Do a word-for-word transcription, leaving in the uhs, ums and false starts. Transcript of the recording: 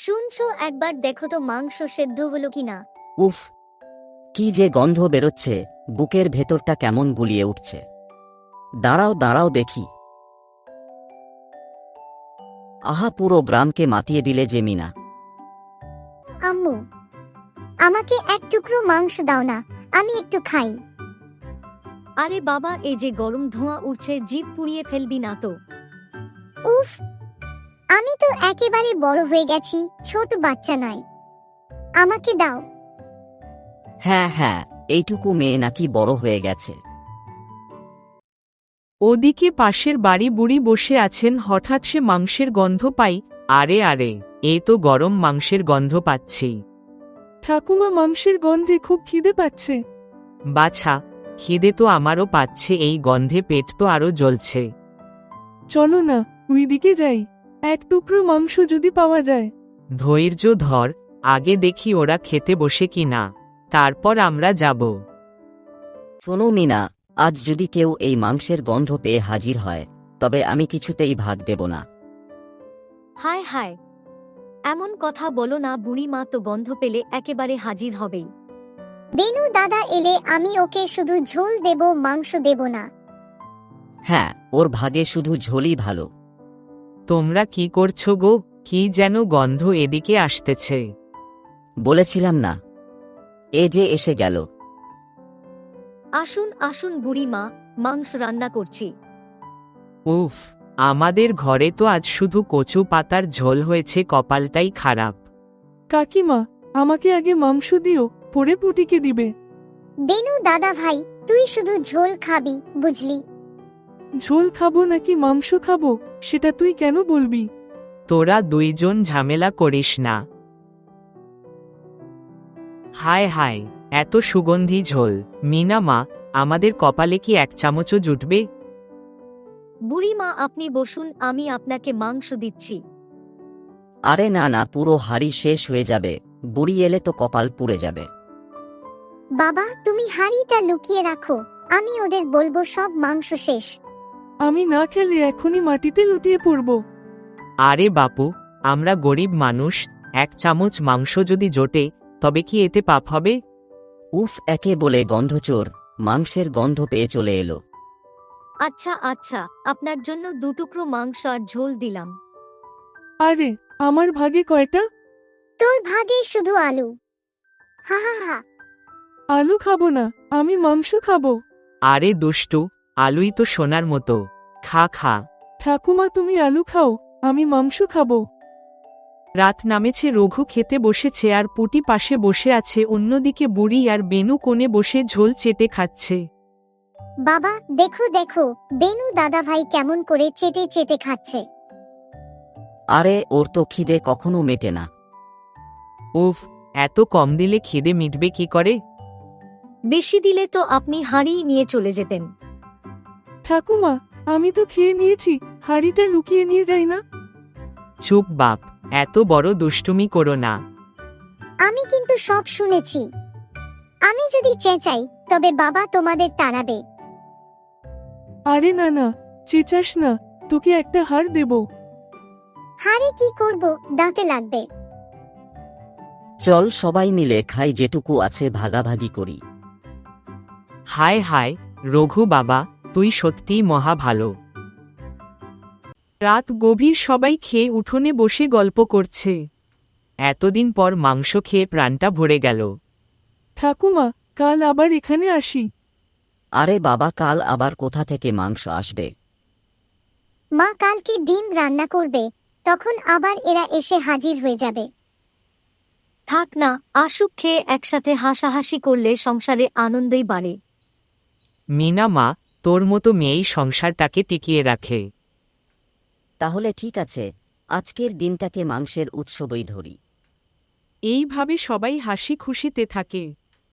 শুনছো, একবার দেখো তো মাংস সেদ্ধ হলো কিনা। উফ, কি যে গন্ধ বেরোচ্ছে, বুকের ভেতরটা কেমন গুলিয়ে উঠছে। দাঁড়াও দাঁড়াও দেখি। আহা, পুরো গ্রামকে মাতিয়ে দিলে যে মিনা। আম্মু, আমাকে এক টুকরো মাংস দাও না, আমি একটু খাই। আরে বাবা, এই যে গরম ধোঁয়া উঠছে, জিভ পুড়িয়ে ফেলবি না তো। উফ, আমি তো একেবারে বড় হয়ে গেছি, ছোট বাচ্চা নয়, আমাকে দাও। হ্যাঁ হ্যাঁ, এইটুকু মেয়ে নাকি বড় হয়ে গেছে। ওদিকে পাশের বাড়ি বুড়ি বসে আছেন, হঠাৎ সে মাংসের গন্ধ পাই। আরে আরে, এই তো গরম মাংসের গন্ধ পাচ্ছি। ঠাকুমা, মাংসের গন্ধে খুব খিদে পাচ্ছে। বাছা, খিদে তো আমারও পাচ্ছে, এই গন্ধে পেট তো আরো জ্বলছে। চলো না, ওইদিকে যাই, এক টুকরো মাংস যদি পাওয়া যায়। ধৈর্য ধর, আগে দেখি ওরা খেতে বসে কি না, তারপর আমরা যাব। শোনো মিনা, আজ যদি কেউ এই মাংসের গন্ধ পেয়ে হাজির হয়, তবে আমি কিছুতেই ভাগ দেব না। হায় হায়, এমন কথা বলো না, বুড়ি মা তো গন্ধ পেলে একেবারে হাজির হবেই। বেনু দাদা এলে আমি ওকে শুধু ঝোল দেব, মাংস দেব না। হ্যাঁ, ওর ভাগে শুধু ঝোলই ভালো। তোমরা কি করছো গো? কি যেন গন্ধ এদিকে আসতেছে। বলেছিলাম না, এ যে এসে গেল। আসুন আসুন বুড়ি মা, মাংস রান্না করছি। উফ, আমাদের ঘরে তো আজ শুধু কচু পাতার ঝোল হয়েছে, কপালটাই খারাপ। কাকিমা, আমাকে আগে মাংস দিও, পরে পুটিকে দিবে। বেনু দাদা ভাই, তুই শুধু ঝোল খাবি, বুঝলি? ঝোল খাবো নাকি মাংস খাবো, সেটা তুই কেন বলবি? তোরা দুইজন ঝামেলা করিস না। হায় হায়, এত সুগন্ধি ঝোল। মিনা মা, আমাদের কপালে কি এক চামচও জুটবে? বুড়ি মা আপনি বসুন, আমি আপনাকে মাংস দিচ্ছি। আরে না না, পুরো হাড়ি শেষ হয়ে যাবে, বুড়ি এলে তো কপাল পুড়ে যাবে। বাবা, তুমি হাঁড়িটা লুকিয়ে রাখো, আমি ওদের বলবো সব মাংস শেষ। আমি না খেলে এখনই মাটিতে লুটিয়ে পড়ব। আরে বাপু, আমরা গরিব মানুষ, এক চামচ মাংস যদি জোটে তবে কি এতে পাপ হবে? উফ, একে বলে গন্ধচোর, মাংসের গন্ধ পেয়ে চলে এলো। আচ্ছা আচ্ছা, আপনার জন্য দুটুকরো মাংস আর ঝোল দিলাম। আরে, আমার ভাগে কয়টা? তোর ভাগে শুধু আলু। হা হা হা। আলু খাবো না, আমি মাংস খাবো। আরে দুষ্টু, আলুই তো সোনার মতো, খা খা। ঠাকুমা, তুমি আলু খাও, আমি মাংস খাবো। রাত নামেছে, রঘু খেতে বসেছে আর পুটি পাশে বসে আছে, অন্যদিকে বুড়ি আর বেনু কোণে বসে ঝোল চেটে খাচ্ছে। বাবা দেখো দেখো, বেনু দাদা ভাই কেমন করে চেটে চেটে খাচ্ছে। আরে, ওর তো খিদে কখনো মেটে না। উফ, এত কম দিলে খিদে মিটবে কি করে? বেশি দিলে তো আপনি হাঁড়ি নিয়ে চলে যেতেন। ঠাকুমা, আমি তো খেয়ে নিয়েছি, হাঁড়িটা লুকিয়ে নিয়ে যাই না। চুপ বাপ, এত বড় দুষ্টুমি করো না। আমি কিন্তু সব শুনেছি। আমি যদি চেঁচাই তবে বাবা তোমাদের তাড়াবে। আরে না না, চেঁচাস না, তোকে একটা হাড় দেব। হাঁড়ি কি করব, দাঁতে লাগবে। চল সবাই মিলে খাই, যেটুকু আছে ভাগাভাগি করি। হায় হায়, রঘু বাবা, তুই সত্যিই মহা ভালো। রাত গভীর, সবাই খেয়ে উঠোনে বসে গল্প করছে। এতদিন পর মাংস খেয়ে প্রাণটা ভরে গেল। ঠাকুমা, কাল আবার এখানে আসি। আরে বাবা, কাল আবার কোথা থেকে মাংস আসবে? মা কালকে ডিম রান্না করবে, তখন আবার এরা এসে হাজির হয়ে যাবে। থাক না, আসুক, খেয়ে একসাথে হাসাহাসি করলে সংসারে আনন্দই বাড়ে। মিনা মা, তোর মতো মেয়েই সংসারটাকে টিকিয়ে রাখে। তাহলে ঠিক আছে, আজকের দিনটাকে মাংসের উৎসবই ধরি। এইভাবে সবাই হাসি খুশিতে থাকে।